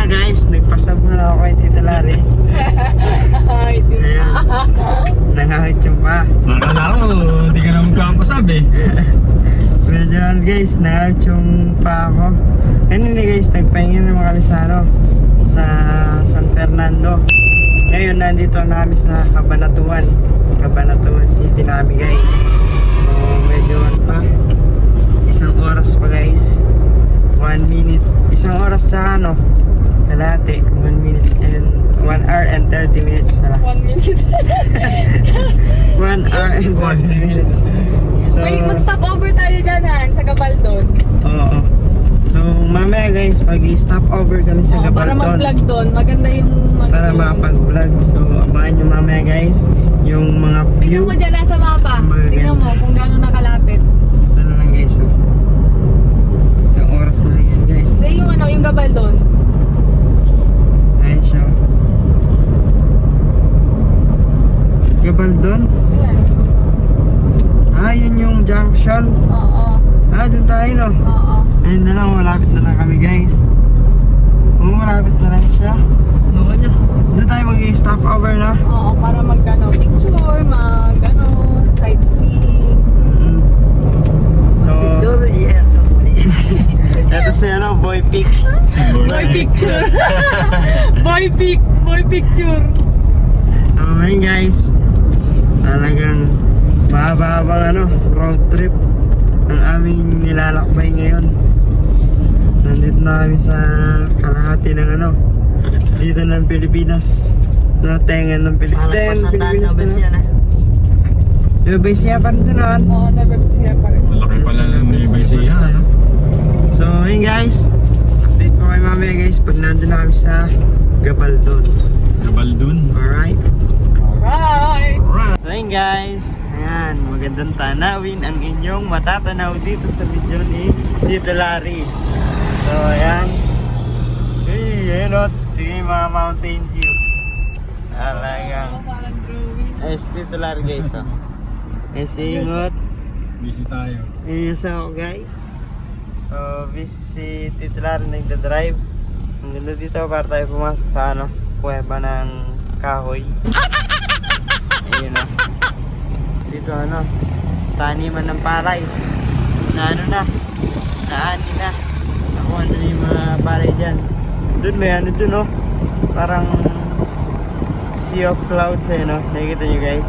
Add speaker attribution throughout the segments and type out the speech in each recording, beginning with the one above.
Speaker 1: nga guys, nagpasab na ako kay Tita Lari. Ayan, nangahit yung pa.
Speaker 2: Akala ko, hindi ka na magpapasabi.
Speaker 1: Medyo guys, nangahit yung pa ako. Kanina guys, nagpahinga naman kami sa sa San Fernando. Ngayon, nandito na kami sa Cabanatuan City namin guys. So, medyo pa. Isang oras pa guys. 1 minute. Isang oras sa kalahati. 1 minute and 1 hour and 30 minutes pala.
Speaker 3: 1 minute.
Speaker 1: 1 hour and 30 minutes. So,
Speaker 3: Wait, mag-stop over tayo dyan, Han, sa Gabaldon.
Speaker 1: oo. So, mamaya guys, pag-stop over kami sa
Speaker 3: Para
Speaker 1: Gabaldon.
Speaker 3: mag-vlog doon. Maganda yung
Speaker 1: Para makapag-vlog. So, abangan nyo mamaya guys, yung mga view.
Speaker 3: Tingnan mo dyan nasa mapa.
Speaker 1: Maganda.
Speaker 3: Tingnan mo kung gaano nakalapit.
Speaker 1: Ito na lang guys. So, isang oras na lang yan guys.
Speaker 3: So, yung Gabaldon.
Speaker 1: Ayan siya. Gabaldon?
Speaker 3: Ayan.
Speaker 1: Ah, yun yung junction.
Speaker 3: Oo.
Speaker 1: Ah, dun tayo no.
Speaker 3: Oo.
Speaker 1: Ayun na lang, malapit na lang kami guys. Oo, malapit na lang siya.
Speaker 2: Ano niya?
Speaker 1: Doon tayo mag-stop over na.
Speaker 3: Oo, para picture, sightseeing.
Speaker 1: So,
Speaker 2: yes.
Speaker 1: ito si Boy Pic.
Speaker 3: Boy picture. Boy picture.
Speaker 1: So, ayun guys. Talagang mahaba-habang road trip ang aming nilalakbay ngayon. Nandito na kami sa kalahati ng dito ng Pilipinas. Tengan ng Pilipinas. Yung base niya pa rin doon.
Speaker 3: Oo, never siya pa rin.
Speaker 2: Malaki pala ng Levi siya.
Speaker 1: So, ayun guys. Update ko kayo mamaya guys pag nandun na kami sa Gabaldon.
Speaker 2: Gabaldon.
Speaker 1: Alright?
Speaker 3: Alright.
Speaker 1: So ayun guys, ayan, magandang tanawin ang inyong matatanaw dito sa video ni Tito Lari. So ayan, ayan o, tingin yung mga mountain view. Talagang,
Speaker 3: Parang drawing.
Speaker 1: ayos Tito Lari guys o. Ay singot,
Speaker 2: Busy tayo.
Speaker 1: ayos ako guys. So busy si Tito Lari nagdadrive. Ang ganda dito para tayo pumasok sa kuweba ng kahoy. Ayun o. Dito taniman ng palay. Na naani na. Nakuha na yung mga palay dyan. Doon may dun parang sea of clouds nakikita nyo guys.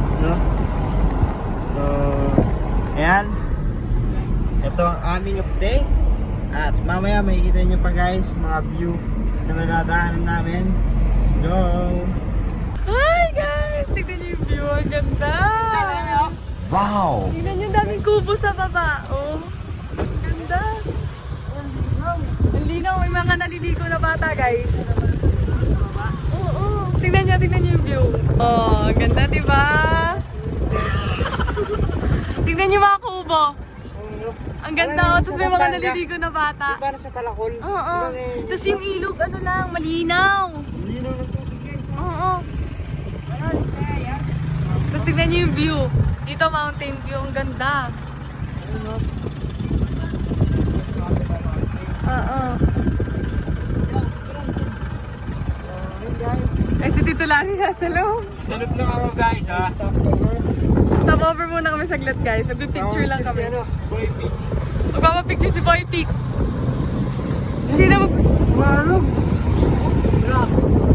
Speaker 1: So, ayan. Ito ang aming update. At mamaya makikita nyo pa guys mga view na madadaanan namin. Let's go!
Speaker 3: Hi guys! Tignan niyo yung view. Ang ganda!
Speaker 1: Wow!
Speaker 3: Tignan niyo, daming kubo sa baba. Oh, ang ganda. Ang linaw. May mga naliligo na bata guys. Oo. Tignan niyo yung view. Oh, ang ganda diba? Tignan niyo mga kubo. Ang ganda. Tapos may mga naliligo na bata.
Speaker 1: Para sa Palakol.
Speaker 3: Oo. Tapos yung ilog, malinaw.
Speaker 1: Lino ng tubig guys.
Speaker 3: Oo. Tapos tignan niyo yung view. Dito mountain view, ang ganda. Oo. Ay, si Tito Lari nasa loob.
Speaker 1: Salute lang ako guys ha.
Speaker 3: Stop over muna kami saglit guys. Magpipicture lang kami.
Speaker 1: Boy Pic.
Speaker 3: Magpapapicture si Boy Pic. Sino mag...
Speaker 1: Marog. Rock.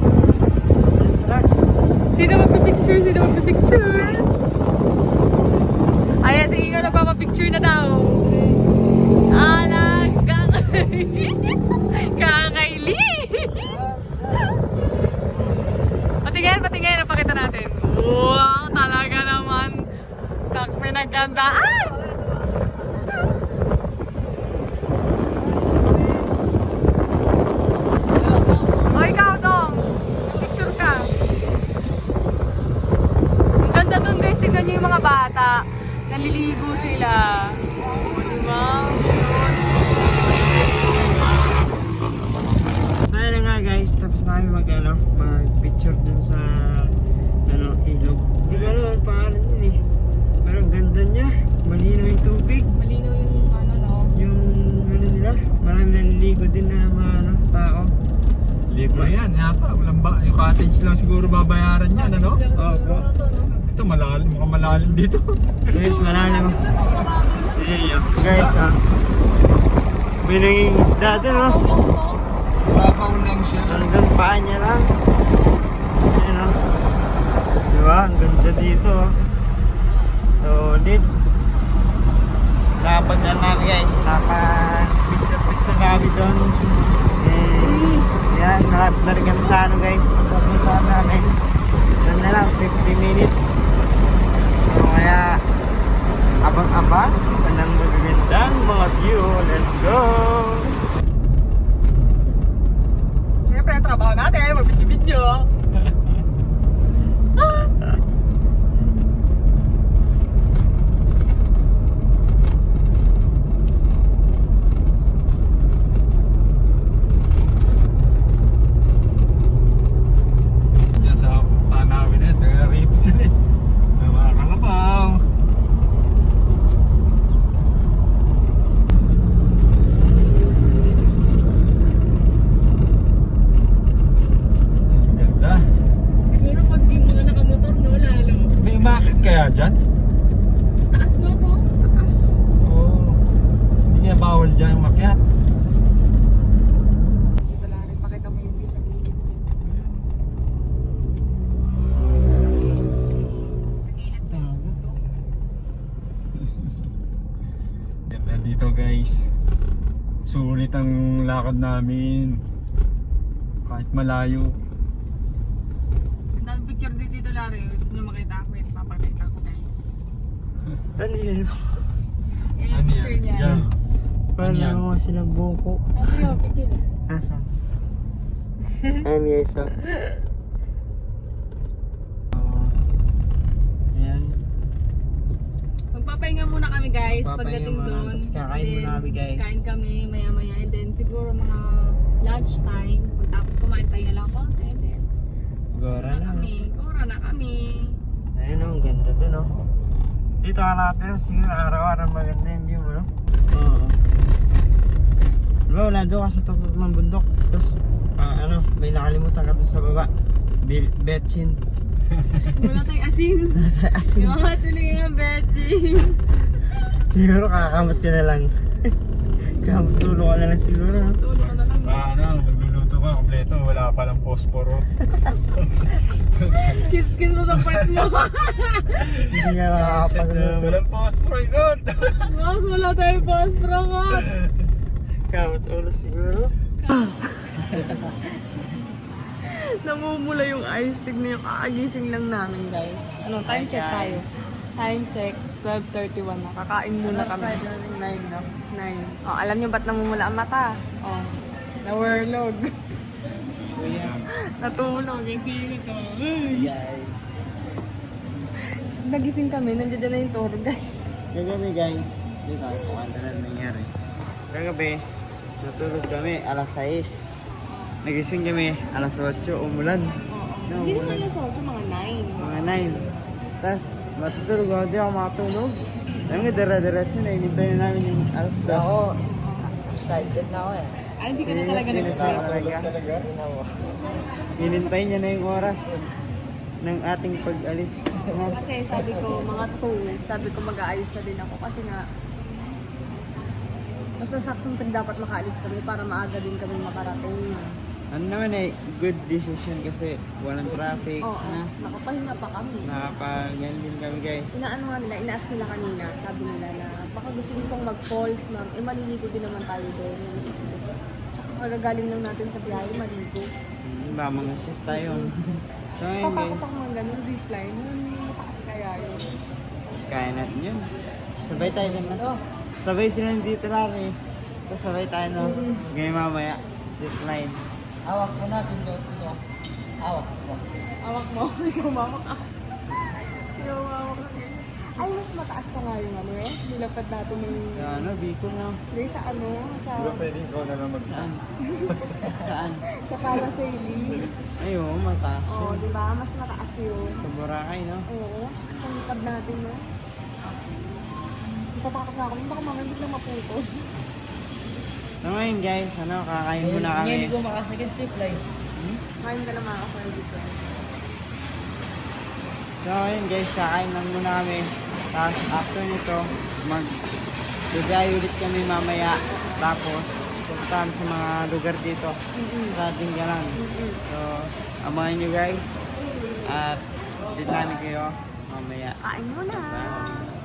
Speaker 3: Sino magpipicture? Ayan, si Ingo nagpapapicture na daw. Alaga. Kakaili. Patingin, napakita natin. Wow, talaga naman. Takme na gandaan. O ikaw dong, picture ka. Ang ganda dun guys, tignan nyo yung mga bata. Naliligo sila. O, diba?
Speaker 1: So ayun na nga guys, tapos na kami mag-picture dun sa ilog. Di ba naman pangalan yun eh. Pero ang ganda niya. Malinaw yung tubig.
Speaker 3: Malinaw yung
Speaker 1: Yung nila. Marami naliligo din na mga tao.
Speaker 2: Libre yan yata. Walang ba? Yung cottage lang siguro babayaran yan, ano?
Speaker 1: Opo.
Speaker 2: Ito malalim, mukhang malalim dito.
Speaker 1: Guys, malalim. Guys, may naging isda doon, oh.
Speaker 2: Babaw lang siya.
Speaker 1: Hanggang paa niya lang. Ayan, oh. Diba? Ang ganda dito, oh. Solid. Napadaan namin, guys. Picture kami doon. Yan, nakatnar kami sa ano, guys. Papuntaan namin. Doon na lang, 50 minutes. So, kaya, abang-abang. Anong magagandang mga view. Let's go!
Speaker 3: Siyempre, ang trabaho natin, mag-video.
Speaker 2: Diyan sa tanawin eh. Taga rito sila eh. Mga kalabaw. Ganda.
Speaker 3: Siguro pag di mga nakamotor, no, lalo.
Speaker 2: May umakit kaya dyan?
Speaker 3: Taas mo to?
Speaker 1: Taas.
Speaker 2: Oo. Hindi kaya bawal dyan umakyat.
Speaker 3: Dito lang rin, pakita mo yung view sa gilid. Sa gilid to.
Speaker 2: Ganda dito guys. Sulit ang lakad namin. Kahit malayo.
Speaker 3: Ang daming picture dito, Larry. Gusto nyo makita ako, wait, papakita ko, guys.
Speaker 1: Ano yun?
Speaker 3: Yan yung picture niya.
Speaker 2: Diyan.
Speaker 1: Parang
Speaker 2: yan?
Speaker 1: mga silang buko.
Speaker 3: Ano yung picture niya?
Speaker 1: Asan? Ayan, guys, oh. Ayan.
Speaker 3: Magpapahinga muna kami, guys,
Speaker 1: Magpapahinga
Speaker 3: pagdating
Speaker 1: muna,
Speaker 3: doon.
Speaker 1: tapos kakain
Speaker 3: And
Speaker 1: muna
Speaker 3: then,
Speaker 1: kami, guys.
Speaker 3: Kain kami, maya-maya. And then, siguro mga lunch time. Pagtapos kumain, pahinga lang konti. And then,
Speaker 1: Gora na.
Speaker 3: Ora na kami.
Speaker 1: Ayun, oh, ang ganda dun, oh. Dito ka natin, siguro araw-araw maganda yung view mo, no? Oo. Diba, wala doon ka sa top ng bundok. Tapos, may nakalimutan ka doon sa baba. Betchin.
Speaker 3: Wala tayong asin.
Speaker 1: Asin.
Speaker 3: Yung tuloy nga, Betchin.
Speaker 1: Siguro kakamot ka na lang. Kamot tulo ka na lang siguro, no?
Speaker 3: Tulog ka na lang.
Speaker 2: Ano, magluluto ka kompleto. Wala palang posporo.
Speaker 3: Kiss-kiss mo sa part mo.
Speaker 1: Hindi nga makakapagluto.
Speaker 2: Walang posporo yun.
Speaker 3: Mas wala tayong phosphor ka.
Speaker 1: Kamot ulo siguro.
Speaker 3: Namumula yung eyes. Tignan yung kakagising lang namin, guys. Ano, time check tayo. Time check, 12:31 na. Kakain muna kami.
Speaker 1: 9, no?
Speaker 3: 9. Oh, alam niyo ba't namumula ang mata? Oh, nawurlog. Natulog. Yung sino to?
Speaker 1: Guys.
Speaker 3: Nagising kami, nandiyan na yung tour guide.
Speaker 1: Kagabi, guys. Dito, kukanta na nangyari. Kagabi, natulog kami alas 6. Nagising kami alas 8, umulan.
Speaker 3: Hindi naman alas 8, mga 9.
Speaker 1: Mga 9. Tapos, matutulog ako, di ako makatulog. Alam nga, dara-diretso na, inintay na namin yung alas 2. Ako, excited na ako eh.
Speaker 3: Ay, hindi ka na talaga nag-sleep.
Speaker 1: talaga. Inintay niya na yung oras ng ating pag-alis.
Speaker 3: Kasi sabi ko, mga 2, sabi ko mag-aayos na din ako kasi nga basta saktong dapat makaalis kami para maaga din kami makarating.
Speaker 1: Ano naman eh, good decision kasi walang traffic.
Speaker 3: Oo,
Speaker 1: na.
Speaker 3: nakapahinga pa kami.
Speaker 1: Nakapagyan din kami, guys.
Speaker 3: Inaano nga nila, inaas nila kanina, sabi nila na baka gusto niyo pong mag-falls, ma'am, eh maliligo din naman tayo doon. Tsaka kagagaling lang natin sa biyahe, maligo.
Speaker 1: Ba, mga sis tayo. So ngayon, guys,
Speaker 3: Patakot ako mga ganun, zipline, yun mataas kaya yun.
Speaker 1: kaya natin yun. Sabay tayo din na. Sabay sila dito lang eh. Tapos sabay tayo no. Ngayon mamaya, zipline.
Speaker 4: Hawak mo natin doon dito. Hawak mo.
Speaker 3: Awak mo, ikaw mawak ka. Ikaw mawak ka. Ay, mas mataas pa nga yung ano eh. Nilapad natin yung...
Speaker 1: Sa ano, Bicol na.
Speaker 3: Hindi, sa ano, sa...
Speaker 2: Pwedeng ikaw na lang
Speaker 1: Saan? Saan?
Speaker 3: sa parasailing.
Speaker 1: Ay, oo, mataas
Speaker 3: Oo,
Speaker 1: yun.
Speaker 3: di ba? Mas mataas yun.
Speaker 1: Sa Boracay, no?
Speaker 3: Oo, mas nalipad natin, no? Natatakot na ako, baka mamaya biglang maputol.
Speaker 1: So ngayon guys, ano, kakain muna kami.
Speaker 4: Ngayon ko makasakit zipline.
Speaker 3: Kain ka na mga ka-4 dito.
Speaker 1: So ayun guys, kakain lang muna kami. Tapos after nito, mag-bibiyahe ulit kami mamaya. Tapos puntahan sa mga lugar dito sa Tinggalan. So abangan nyo guys. At din namin kayo mamaya.
Speaker 3: Kain mo na!
Speaker 1: Bye.